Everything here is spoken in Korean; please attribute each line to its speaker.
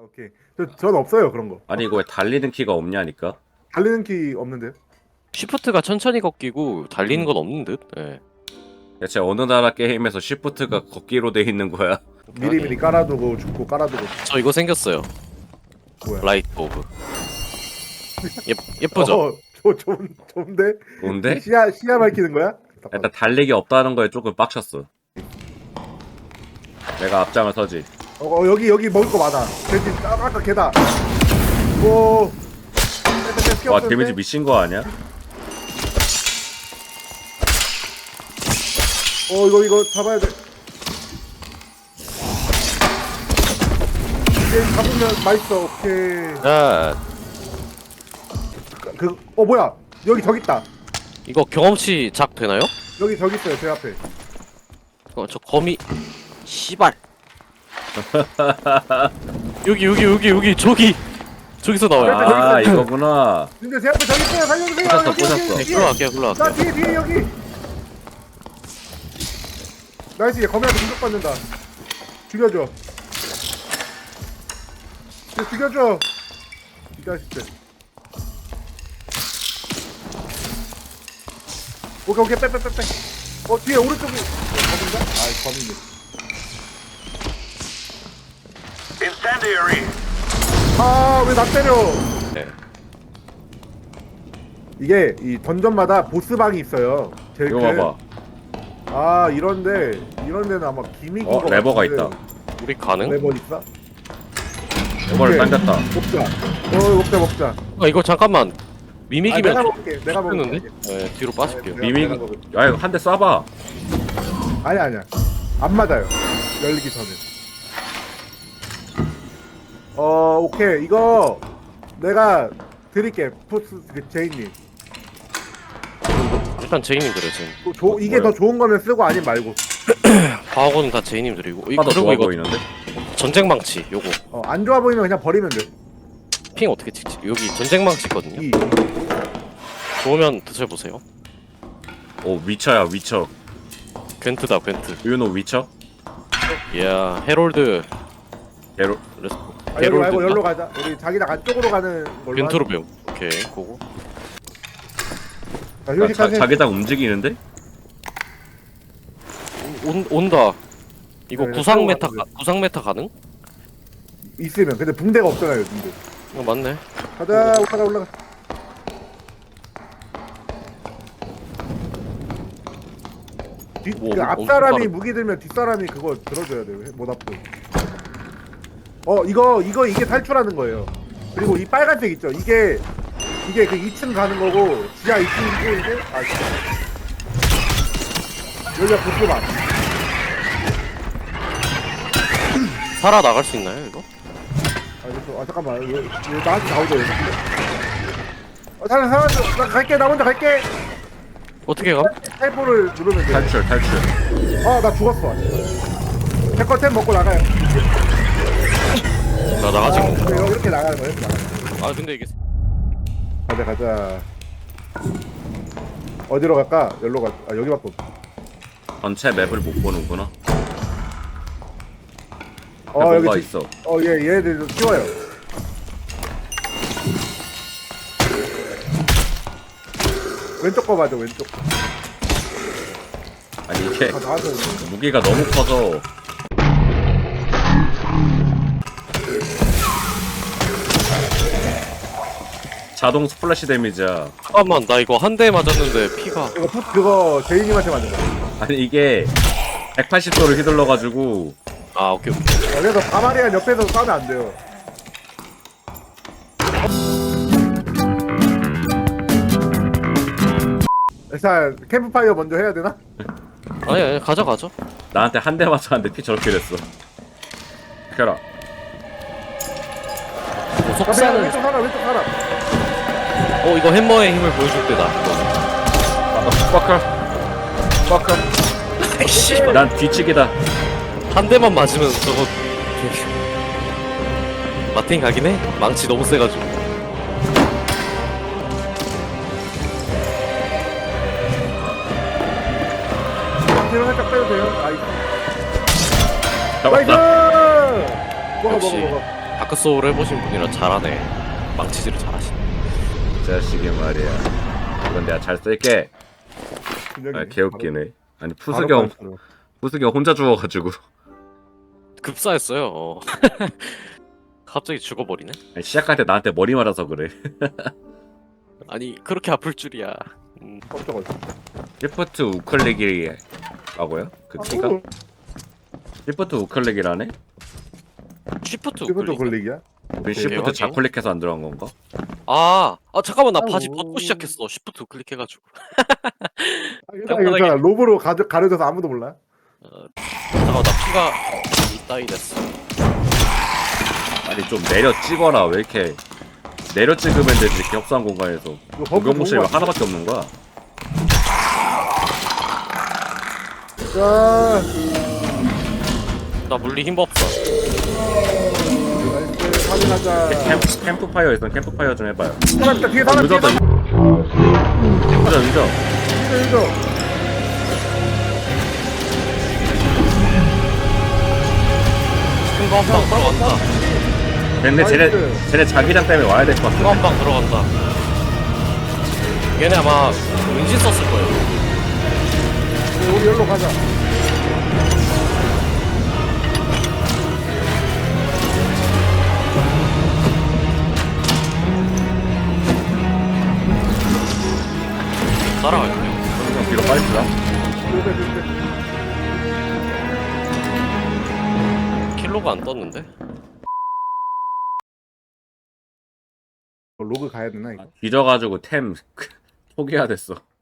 Speaker 1: 오케이. 전 없어요 그런 거.
Speaker 2: 아니 이거 왜 달리는 키가 없냐니까.
Speaker 1: 달리는 키 없는데요?
Speaker 3: 쉬프트가 천천히 걷기고 달리는 건 없는 듯. 예.
Speaker 2: 대체 어느 나라 게임에서 시프트가 걷기로 돼 있는 거야?
Speaker 1: 미리미리 깔아두고 죽고 깔아두고.
Speaker 3: 저 이거 생겼어요.
Speaker 1: 뭐야?
Speaker 3: 라이트 오브. 예쁘죠?
Speaker 1: 좋은데?
Speaker 2: 뭔데?
Speaker 1: 시야 밝히는 거야?
Speaker 2: 일단 달리기 없다는 거에 조금 빡쳤어. 내가 앞장을 서지.
Speaker 1: 여기 먹을 거 많아. 돼지 아까 개다. 오.
Speaker 2: 와 데미지 미친 거 아니야?
Speaker 1: 이거 잡아야 돼. 이제 잡으면 맛있어. 오케이.
Speaker 3: 야,
Speaker 1: 뭐야? 여기 저기 있다.
Speaker 3: 이거 경험치 작 되나요?
Speaker 1: 여기 저기 있어요. 제 앞에.
Speaker 3: 저 거미 씨발. 여기 저기서 나와요.
Speaker 2: 아 이거구나.
Speaker 1: 근데 제 앞에 저기 있어요. 살려주세요.
Speaker 2: 부셨어.
Speaker 3: 네, 흘러갈게요.
Speaker 1: 나 뒤에 여기. 나이스. 얘 거미한테 공격받는다. 죽여줘. 얘 죽여줘. 이 자식들. 오케이 빼. 뒤에 오른쪽에 거미인가? 아이 거미네.
Speaker 4: Incendiary!
Speaker 1: 왜 나 때려?
Speaker 3: 네.
Speaker 1: 이게 이 던전마다 보스방이 있어요. 제일
Speaker 2: 이거
Speaker 1: 큰.
Speaker 2: 봐봐.
Speaker 1: 이런 데는 아마 기믹인 거
Speaker 2: 레버가
Speaker 1: 같은데.
Speaker 2: 있다.
Speaker 3: 우리 가능?
Speaker 1: 레버 있어?
Speaker 2: 이거를
Speaker 1: 오케이.
Speaker 2: 당겼다.
Speaker 1: 먹자.
Speaker 3: 이거 잠깐만. 미믹이면
Speaker 1: 내가 먹을게. 내가 먹을게.
Speaker 3: 죽는데? 네, 뒤로 빠질게요.
Speaker 2: 미믹.
Speaker 1: 내가 먹을게.
Speaker 2: 야 이거 한 대 쏴봐.
Speaker 1: 아니야. 안 맞아요. 열리기 전에. 오케이. 이거 내가 드릴게. 푸스 제이님.
Speaker 3: 일단 제이님 드려 제이님.
Speaker 1: 이게 더 좋은 거면 쓰고 아니면 말고.
Speaker 3: 과거는 다 제이님 드리고.
Speaker 2: 더
Speaker 3: 그리고
Speaker 2: 좋아
Speaker 3: 이거
Speaker 2: 보이는데?
Speaker 3: 전쟁망치 요거.
Speaker 1: 안 좋아 보이면 그냥 버리면 돼.
Speaker 3: 핑 어떻게 찍지? 여기 전쟁망치 있거든요. 좋으면 드셔보세요.
Speaker 2: 오 위쳐야 위쳐.
Speaker 3: 괜트다 괜트.
Speaker 2: 유노 위쳐?
Speaker 3: 이야 헤롤드.
Speaker 2: 게로.
Speaker 1: 여기 말고 여기로 가자. 우리 자기장 안쪽으로 가는 걸로.
Speaker 3: 괜트로 배움. 오케이 고고.
Speaker 2: 자기장 움직이는데?
Speaker 3: 온다. 이거
Speaker 1: 네,
Speaker 3: 구상 메타
Speaker 1: 들어가는데.
Speaker 3: 구상 메타 가능?
Speaker 1: 있으면. 근데 붕대가 없잖아요. 붕대.
Speaker 3: 맞네.
Speaker 1: 가자. 올라가.
Speaker 3: 오,
Speaker 1: 앞
Speaker 3: 엄청
Speaker 1: 사람이
Speaker 3: 빠르다.
Speaker 1: 무기 들면 뒷 사람이 그거 들어줘야 돼요. 못 앞도. 이게 탈출하는 거예요. 그리고 이 빨간색 있죠. 이게 그 2층 가는 거고 지하 2층이고 이게 여기가 보스방.
Speaker 3: 살아 나갈 수 있나요 이거?
Speaker 1: 잠깐만. 얘 나한테 나오죠. 살았어. 나 갈게. 나 먼저 갈게.
Speaker 3: 어떻게 가?
Speaker 1: 탈포를 누르면 돼.
Speaker 2: 탈출.
Speaker 1: 나 죽었어. 제거템 먹고 나가요.
Speaker 3: 나 나가지.
Speaker 1: 이렇게 나가는 거예요.
Speaker 3: 아 근데 이게
Speaker 1: 가자. 어디로 갈까? 여기로 가. 여기밖에 없어.
Speaker 2: 전체 맵을 못 보는구나.
Speaker 1: 여기
Speaker 2: 뭐가 있어?
Speaker 1: 얘네들 좀 쉬워요. 왼쪽 거 봐줘. 왼쪽.
Speaker 2: 아니 이게
Speaker 1: 나와서
Speaker 2: 무기가 너무 커서. 자동 스플래시 데미지야.
Speaker 3: 잠깐만 나 이거 한 대 맞았는데 피가.
Speaker 1: 그거 제이님한테 맞는 거야.
Speaker 2: 아니 이게 180도를 휘둘러가지고.
Speaker 3: 아 오케이.
Speaker 1: 그래서 바마리안 옆에서 싸면 안 돼요. 일단 캠프파이어 먼저 해야 되나?
Speaker 3: 아니 가자.
Speaker 2: 나한테 한 대 맞았는데 피 저렇게 됐어. 켜라.
Speaker 3: 속사는.
Speaker 1: 왼쪽 사람.
Speaker 3: 이거 햄머의 힘을 보여줄 때다.
Speaker 2: 빡카.
Speaker 3: 아이씨.
Speaker 2: 난 뒤치기다.
Speaker 3: 한 대만 맞으면 저거 마틴 가긴 해. 망치 너무 세가지고.
Speaker 1: 뒤로 살짝 빼도 돼요? 나이스.
Speaker 2: 잡았다.
Speaker 1: 먹어.
Speaker 3: 역시. 다크소울 해보신 분이라 잘하네. 망치질을 잘하시네.
Speaker 2: 이 자식이 말이야. 이건 내가 잘 쓸게.
Speaker 1: 그냥
Speaker 2: 아 개웃기네. 아니
Speaker 1: 바로
Speaker 2: 푸스경 혼자 죽어가지고.
Speaker 3: 급사했어요. 갑자기 죽어버리네.
Speaker 2: 아니, 시작할 때 나한테 머리 맞아서 그래.
Speaker 3: 아니 그렇게 아플 줄이야.
Speaker 1: 깜짝이야.
Speaker 2: 시프트 우클릭이라고요? 그 키가? 시프트 우클릭이라네?
Speaker 3: 쉬프트
Speaker 1: 이것도
Speaker 3: 우클릭.
Speaker 1: 걸리기야?
Speaker 2: 그 시프트
Speaker 3: 확인.
Speaker 2: 좌클릭해서 안 들어간 건가?
Speaker 3: 아 잠깐만 나 바지
Speaker 1: 아이고.
Speaker 3: 벗고 시작했어. 쉬프트 우클릭해가지고.
Speaker 1: 괜찮아. 로브로 가려져서 아무도 몰라.
Speaker 3: 잠깐만 나 피가 이따위 됐어.
Speaker 2: 아니 좀 내려 찍어라. 왜 이렇게 내려 찍으면 되지 이렇게 협소한 공간에서.
Speaker 1: 이거 버프
Speaker 2: 공격모실이
Speaker 1: 좋은 거
Speaker 2: 하나밖에 없는 거야.
Speaker 1: 자,
Speaker 3: 나 물리 힘 없어.
Speaker 1: 나이스. 확인하자.
Speaker 2: 캠프파이어 있으면 캠프파이어 좀 해봐요.
Speaker 1: 사람 있다. 뒤에 사람 뒤에
Speaker 2: 늦었다.
Speaker 1: 사람.
Speaker 2: 늦어.
Speaker 1: 늦어.
Speaker 3: 큰거 한 방 들어간다.
Speaker 2: 근데 쟤네 자기장 때문에 와야 될 것
Speaker 3: 큰거
Speaker 2: 같아.
Speaker 3: 한 방 들어간다. 얘네 아마 은신 썼을 거예요.
Speaker 1: 우리 여기로 가자.
Speaker 3: 따라갈게요.
Speaker 2: 그럼 뒤로 빨리 들어.
Speaker 3: 킬로가 안 떴는데?
Speaker 1: 로그 가야 되나 이거?
Speaker 2: 뒤져가지고 템 포기해야 됐어.